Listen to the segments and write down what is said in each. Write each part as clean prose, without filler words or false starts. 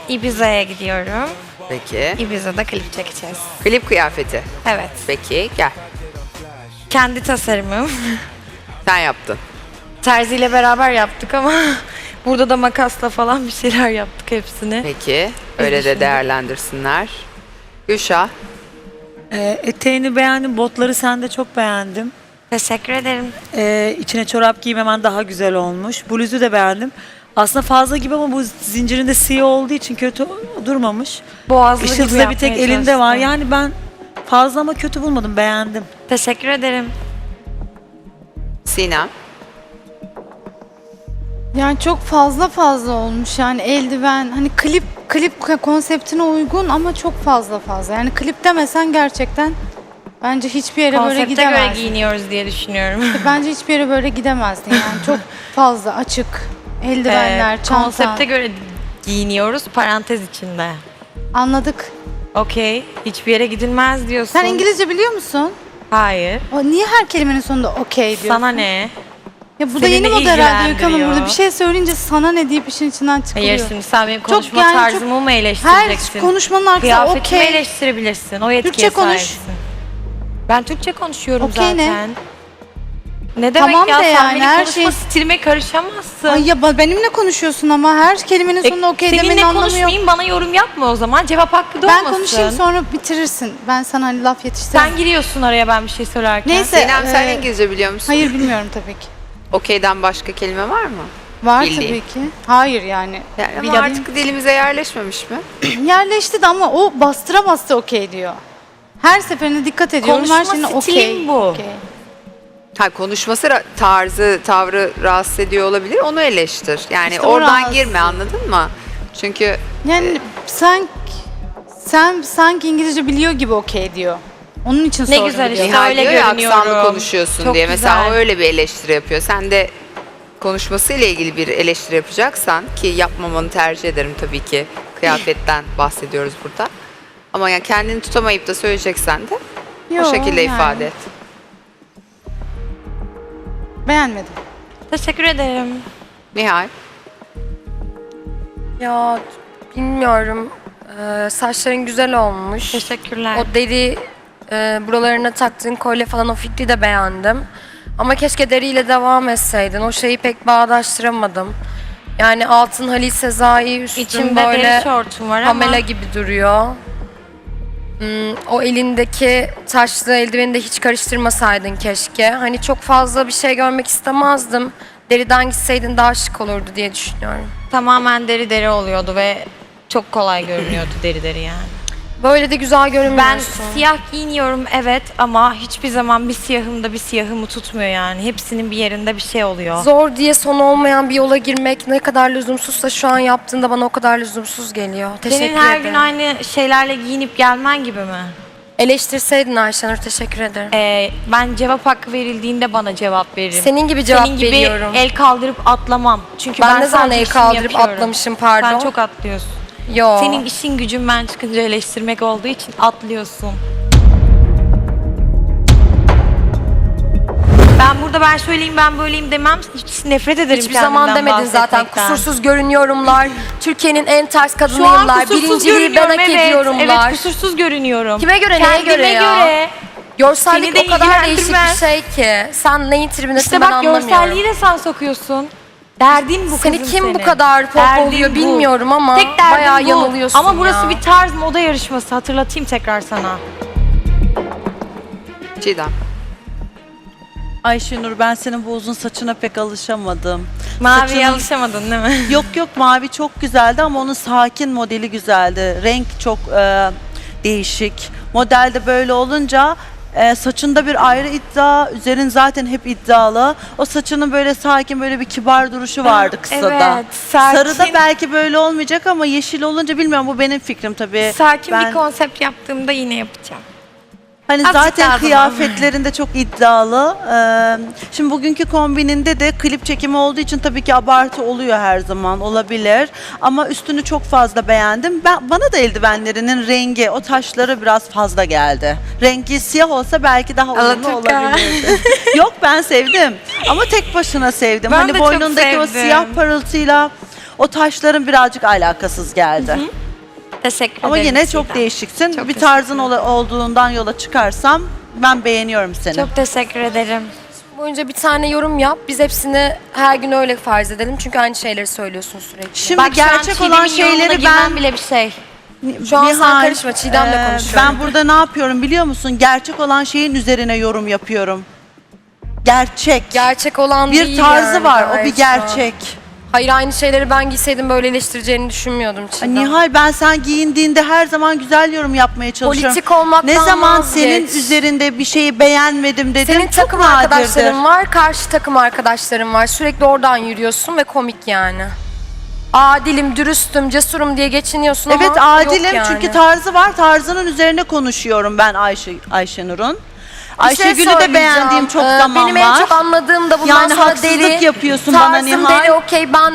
Ibiza'ya gidiyorum. Peki. Ibiza'da klip çekeceğiz. Klip kıyafeti. Evet. Peki gel. Kendi tasarımım. Sen yaptın. Terzi ile beraber yaptık ama burada da makasla falan bir şeyler yaptık hepsini. Peki. Öyle de düşündüm. değerlendirsinler. Gülşah. Eteğini beğendim, botları sen de çok beğendim. Teşekkür ederim. İçine çorap giymemen daha güzel olmuş. Bluzu da beğendim. Aslında fazla gibi ama bu zincirinde siyah olduğu için kötü durmamış. Boğazlı gibi Işıltı da bir tek yapmaya elinde var. çalıştım. Yani ben fazla ama kötü bulmadım, beğendim. Teşekkür ederim. Sinem. Yani çok fazla olmuş yani eldiven hani klip konseptine uygun ama çok fazla. Yani klip demesen gerçekten bence hiçbir yere böyle Konsepte göre gidemezdin. giyiniyoruz diye düşünüyorum. Bence hiçbir yere böyle gidemezdin yani çok fazla açık eldivenler, çanta. Konsepte göre giyiniyoruz parantez içinde. Anladık. Okey. Hiçbir yere gidilmez diyorsun. Sen İngilizce biliyor musun? Hayır. Niye her kelimenin sonunda okey diyorsun? Sana ne? Ya bu da Seni yeni ne moda herhalde Öykü Hanım, ilgilendiriyor? burada bir şey söyleyince sana ne deyip işin içinden çıkılıyor. Hayır şimdi sen benim Çok konuşma yani tarzımı mı eleştireceksin? Her konuşmanın arkasında Kıyafetimi okey. eleştirebilirsin. O yetkiye Türkçe konuş. sahipsin. Ben Türkçe konuşuyorum Okey ne? zaten. Ne demek Tamam ya? de Sen yani, benim her konuşma şey- stilime karışamazsın. Ay ya benimle konuşuyorsun ama her kelimenin sonunda okey demenin Seninle anlamı yok. konuşmayayım, bana yorum yapma o zaman. Cevap hakkı da Ben olmasın. konuşayım sonra bitirirsin. Ben sana hani laf yetiştiririm. Sen giriyorsun araya ben bir şey söylerken. Neyse. Sinem sen Ee, İngilizce biliyor musun? Hayır bilmiyorum tabii ki. Okey'den başka kelime var mı? Var Bildiğin. tabii ki. Hayır yani. Yani ama Bilmiyorum. artık dilimize yerleşmemiş mi? Yerleşti de ama o bastıra okey diyor. Her seferinde dikkat ediyorum. Konuşma her şeyine okey. stilim bu. okey. Ha, konuşması tarzı, tavrı rahatsız ediyor olabilir. Onu eleştir. Yani İşte o oradan rahatsız. girme, anladın mı? Çünkü Yani sen sanki İngilizce biliyor gibi okey diyor. Onun için Ne sordum. güzel diyor. işte. Nihal öyle diyor ya görünüyorum. aksanlı konuşuyorsun Çok diye. Mesela güzel. o öyle bir eleştiri yapıyor. Sen de konuşmasıyla ilgili bir eleştiri yapacaksan, ki yapmamanı tercih ederim tabii ki. Kıyafetten bahsediyoruz burada. Ama yani kendini tutamayıp da söyleyeceksen de Yo, o şekilde yani. ifade et. Beğenmedim. Teşekkür ederim. Nihal. Ya bilmiyorum. Saçların güzel olmuş. Teşekkürler. O deri buralarına taktığın kolye falan o fikri de beğendim. Ama keşke deriyle devam etseydin. O şeyi pek bağdaştıramadım. Yani altın Halil Sezai, üstün İçimde böyle deri şortum var ama Pamela gibi duruyor. O elindeki taşlı eldiveni de hiç karıştırmasaydın keşke. Hani çok fazla bir şey görmek istemezdim. Deriden gitseydin daha şık olurdu diye düşünüyorum. tamamen deri oluyordu ve çok kolay görünüyordu deri yani. Böyle de güzel Ben görünmüyorsun. siyah giyiniyorum evet ama hiçbir zaman bir siyahım da bir siyahımı tutmuyor yani. Hepsinin bir yerinde bir şey oluyor. Zor diye sonu olmayan bir yola girmek ne kadar lüzumsuzsa şu an yaptığında bana o kadar lüzumsuz geliyor. Teşekkür Senin her ederim. gün aynı şeylerle giyinip gelmen gibi mi? Eleştirseydin Ayşenur, teşekkür ederim. Ben cevap hakkı verildiğinde bana cevap veririm. Senin gibi cevap Senin gibi veriyorum. el kaldırıp atlamam. Çünkü Ben ne zaman sadece el işimi kaldırıp yapıyorum. atlamışım, pardon? Sen çok atlıyorsun. Yo. Senin işin gücün ben çıkınca eleştirmek olduğu için atlıyorsun. Ben burada ben şöyleyim ben böyleyim demem. Hiç nefret ederim Hiçbir zaman kendimden demedin zaten. bahsetmekten. Kusursuz görünüyorumlar. Türkiye'nin en ters Şu an kadınıyımlar. kusursuz Birinciliği ben görünüyorum hak evet. ediyorumlar. Evet kusursuz görünüyorum. Kime göre, neye Kendime göre ya? göre. Görsellik Seni de o kadar değişik bir ilgilendirmez. şey ki. Sen neyin tribindesin İşte ben bak anlamıyorum. görselliği de sen sokuyorsun. Derdin bu Seni kızım kim senin. bu kadar pop Derdin oluyor bu. bilmiyorum ama Tek derdin bayağı bu. yanılıyorsun Ama burası ya. bir tarz moda yarışması hatırlatayım tekrar sana. Çiğdem. Ayşenur, ben senin bu uzun saçına pek alışamadım. Maviye Saçının- alışamadın değil mi? Yok yok, mavi çok güzeldi ama onun sakin modeli güzeldi. Renk çok değişik. Modelde böyle olunca saçında bir ayrı iddia, üzerin zaten hep iddialı. O saçının böyle sakin, böyle bir kibar duruşu vardı kısada. Evet, sakin. Sarıda belki böyle olmayacak ama yeşil olunca bilmiyorum, bu benim fikrim tabii. Sakin Ben- bir konsept yaptığımda yine yapacağım. Hani Azıcık daha zaten zaman. kıyafetlerinde çok iddialı. Şimdi bugünkü kombininde de klip çekimi olduğu için tabii ki abartı oluyor, her zaman olabilir. Ama üstünü çok fazla beğendim. Bana da eldivenlerinin rengi, o taşları biraz fazla geldi. Rengi siyah olsa belki daha uyumlu Alaturka. olabilirdi. Yok, ben sevdim. Ama tek başına sevdim. Ben hani de çok boynundaki o sevdim. siyah parıltıyla O taşların birazcık alakasız geldi. Teşekkür Ama ederim. yine çok Çiğdem. değişiksin. Çok Bir tarzın olduğundan yola çıkarsam ben beğeniyorum seni. Çok teşekkür ederim. Boyunca bir tane yorum yap. Biz hepsini her gün öyle farz edelim. Çünkü aynı şeyleri söylüyorsun sürekli. Şimdi Bak, şu an gerçek Çiğdem'in olan yorumuna şeyleri girmem ben bile bir şey. Şu an sen Nihal, karışma, Çiğdem'le konuşuyorum. Ben burada ne yapıyorum biliyor musun? Gerçek olan şeyin üzerine yorum yapıyorum. Gerçek. Gerçek olan Bir değil tarzı yani var, o gayet bir şu an. gerçek. Hayır, aynı şeyleri ben giyseydim böyle eleştireceğini düşünmüyordum Çiğdem. Nihal, ben sen giyindiğinde her zaman güzel yorum yapmaya çalışıyorum. Politik olmaktan Ne zaman vazgeç. senin üzerinde bir şeyi beğenmedim dedim. Senin çok takım nadirdir. arkadaşların var, karşı takım arkadaşların var. Sürekli oradan yürüyorsun ve komik yani. Adilim, dürüstüm, cesurum diye geçiniyorsun ama Evet, yok adilim yani. çünkü tarzı var. Tarzının üzerine konuşuyorum ben Ayşenur'un. Bir şey Ayşegül'ü de söyleyeceğim. beğendiğim çok zaman Benim var. en çok anladığım da bundan Yani sonra haksızlık deri. yapıyorsun bana Tarzım Nihal. deri, okey, ben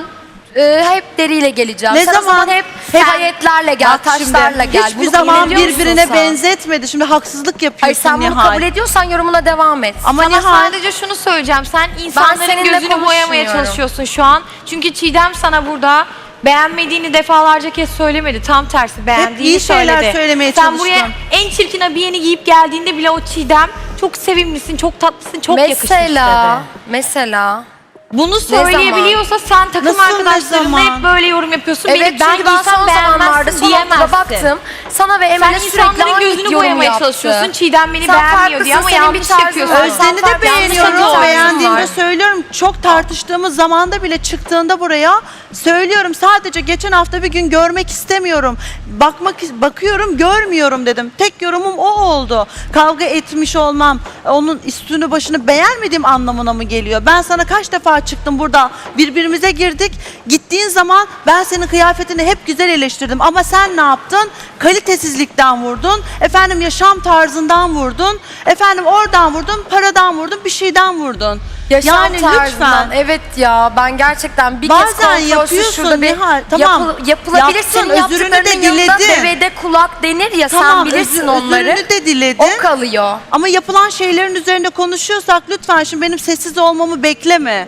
hep deriyle geleceğim. Ne Sen o zaman? hep Hep- hayetlerle gel, Bak şimdi, taşlarla gel. hiçbir Bunu zaman kabul ediyor musun birbirine sen? benzetmedi. Şimdi haksızlık Hayır, yapıyorsun sen bunu Nihal. kabul ediyorsan yorumuna devam et. Ama Sana Nihal, sadece şunu söyleyeceğim. Sen insanların seninle gözünü boyamaya konuşmuyorum. çalışıyorsun şu an. Çünkü Çiğdem sana burada beğenmediğini defalarca kez söylemedi. Tam tersi beğendiğini iyi şeyler söyledi. söylemeye Sen buraya çalıştım. en çirkin abiyeni giyip geldiğinde bile o Çiğdem çok sevimlisin, çok tatlısın, çok yakışmış Mesela, dedi. mesela. Bunu söyleyebiliyorsa sen takım Nasıl, arkadaşlarınla ne zaman? hep böyle yorum yapıyorsun. Evet, Beni ben çünkü ben giysem son zamanlarda beğenmezsin son haftada diyemezsin. baktım. Sana ve Sen Emre'ye sürekli insanların aynı gözünü yorum boyamaya yaptı. çalışıyorsun. Çiğdem beni Sen beğenmiyor diye ama farklısın, senin bir yanlış tarzın yapıyorsun. var. Özden'i de Yanlış beğeniyorum. tarzın Beğendiğimde var. söylüyorum. Çok tartıştığımız zamanda bile çıktığında buraya söylüyorum. Sadece geçen hafta bir gün görmek istemiyorum. Bakıyorum, görmüyorum dedim. Tek yorumum o oldu. Kavga etmiş olmam, onun üstünü başını beğenmediğim anlamına mı geliyor? Ben sana kaç defa çıktım burada, birbirimize girdik. Gittiğin zaman ben senin kıyafetini hep güzel eleştirdim. Ama sen ne yaptın? Kalitesizlikten vurdun. Efendim yaşam tarzından vurdun. Efendim oradan vurdun, paradan vurdun, bir şeyden vurdun. Yaşam yani tarzından. lütfen. Evet ya, ben gerçekten bir Bazen kez kontrolsüz yapıyorsun şurada bir Nihal, tamam. yapılabilir. Yaptın, Senin özrünü de yaptıklarının yanında diledin. devede kulak denir ya, sen Tamam, bilirsin onları. özrünü de diledin. O kalıyor. Ama yapılan şeylerin üzerinde konuşuyorsak lütfen şimdi benim sessiz olmamı bekleme.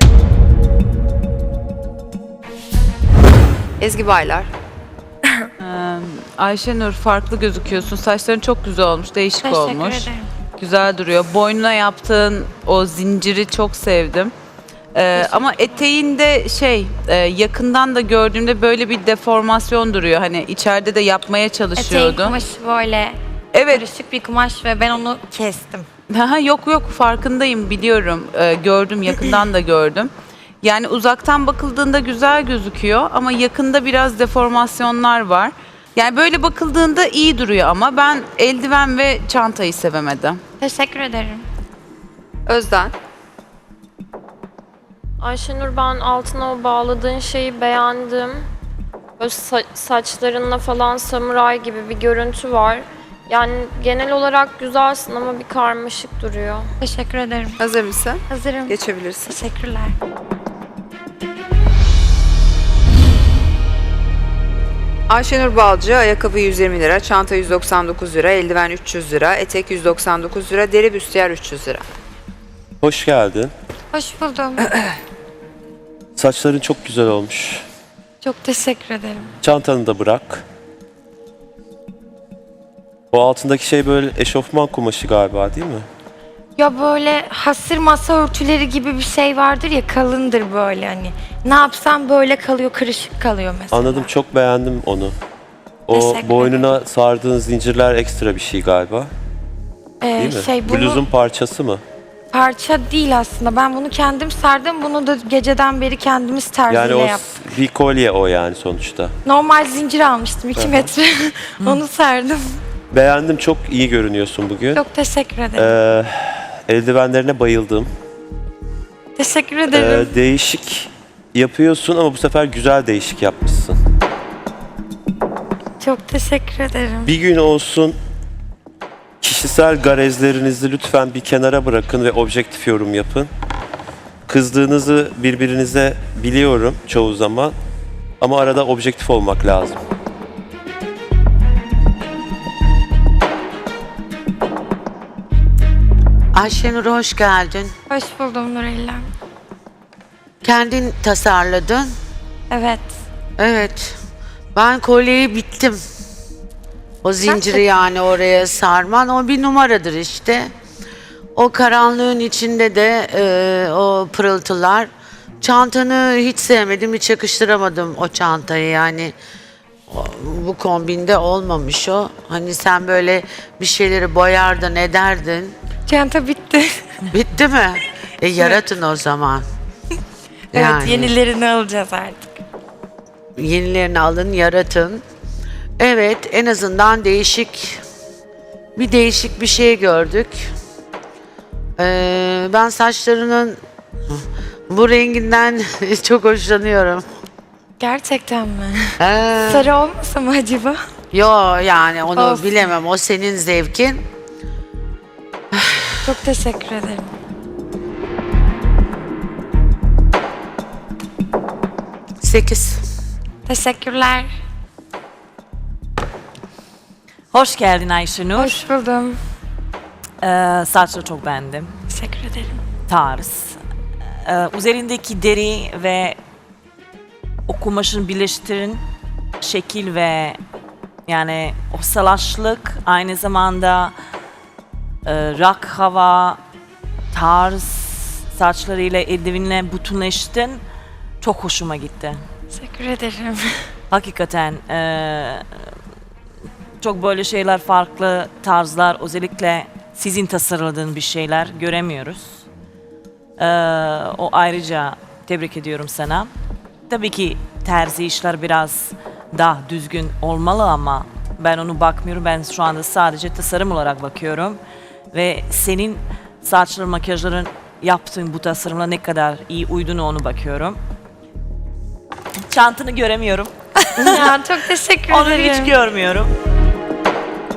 Ezgi Baylar. Ayşenur, farklı gözüküyorsun. Saçların çok güzel olmuş, değişik Teşekkür olmuş. ederim. Güzel duruyor. Boynuna yaptığın o zinciri çok sevdim. Ama eteğinde yakından da gördüğümde böyle bir deformasyon duruyor. Hani içeride de yapmaya Eteğin çalışıyordun. kumaşı böyle Evet. karışık bir kumaş ve ben onu kestim. Yok farkındayım, biliyorum. Gördüm, yakından da gördüm. Yani uzaktan bakıldığında güzel gözüküyor ama yakında biraz deformasyonlar var. Yani böyle bakıldığında iyi duruyor ama ben eldiven ve çantayı sevemedim. Teşekkür ederim. Özden. Ayşenur, ben altına o bağladığın şeyi beğendim. Böyle saçlarınla falan samuray gibi bir görüntü var. Yani genel olarak güzelsin ama bir karmaşık duruyor. Teşekkür ederim. Hazır mısın? Hazırım. Geçebilirsin. Teşekkürler. Ayşenur Balcı, ayakkabı 120 lira, çanta 199 lira, eldiven 300 lira, etek 199 lira, deri büstiyer 300 lira. Hoş geldin. Hoş buldum. Saçların çok güzel olmuş. Çok teşekkür ederim. Çantanı da bırak. O altındaki şey böyle eşofman kumaşı galiba, değil mi? Ya böyle hasır masa örtüleri gibi bir şey vardır ya, kalındır böyle hani. Ne yapsam böyle kalıyor, kırışık kalıyor mesela. Anladım, çok beğendim onu. O Teşekkür boynuna sardığın zincirler ekstra bir şey galiba, değil mi? Bunu Bluzun parçası mı? parça değil aslında. Ben bunu kendim sardım. Bunu da geceden beri kendimiz terziyle Yani o yaptık. bir kolye o yani sonuçta. Normal zincir almıştım 2 metre. Onu sardım. Beğendim, çok iyi görünüyorsun bugün. Çok teşekkür ederim. Eldivenlerine bayıldım. Teşekkür ederim. Değişik yapıyorsun ama bu sefer güzel değişik yapmışsın. Çok teşekkür ederim. Bir gün olsun kişisel garezlerinizi lütfen bir kenara bırakın ve objektif yorum yapın. Kızdığınızı birbirinize biliyorum çoğu zaman ama arada objektif olmak lazım. Ayşenur, hoş geldin. Hoş buldum Nurella. Kendin tasarladın. Evet. Evet. Ben kolyeyi bittim. O zinciri yani oraya sarman o bir numaradır işte. O karanlığın içinde de o pırıltılar. Çantanı hiç sevmedim, hiç yakıştıramadım o çantayı yani. Bu kombinde olmamış o. Hani sen böyle bir şeyleri boyardın, ederdin. Çanta bitti. Bitti mi? Yaratın o zaman. Evet, yenilerini alacağız artık. Yenilerini alın, yaratın. Evet, en azından değişik bir şey gördük. Ben saçlarının bu renginden çok hoşlanıyorum. Gerçekten mi? Ee, Sarı olmasa mı acaba? Yo yani onu Olsun. bilemem. O senin zevkin. Çok teşekkür ederim. Sekiz. Teşekkürler. Hoş geldin Ayşenur. Hoş buldum. Saçları çok beğendim. Teşekkür ederim. Tarz. Üzerindeki deri ve o kumaşın birleştirin şekil ve yani o salaşlık aynı zamanda rock hava tarz saçlarıyla eldivenle bütünleştin. Çok hoşuma gitti. Teşekkür ederim. Hakikaten çok böyle şeyler farklı tarzlar özellikle sizin tasarladığın bir şeyler göremiyoruz. O ayrıca tebrik ediyorum sana. Tabii ki terzi işler biraz daha düzgün olmalı ama ben onu bakmıyorum. Ben şu anda sadece tasarım olarak bakıyorum. Ve senin saçların, makyajların yaptığın bu tasarımla ne kadar iyi uyduğunu onu bakıyorum. Çantanı göremiyorum. Ya çok teşekkür Onu ederim. hiç görmüyorum.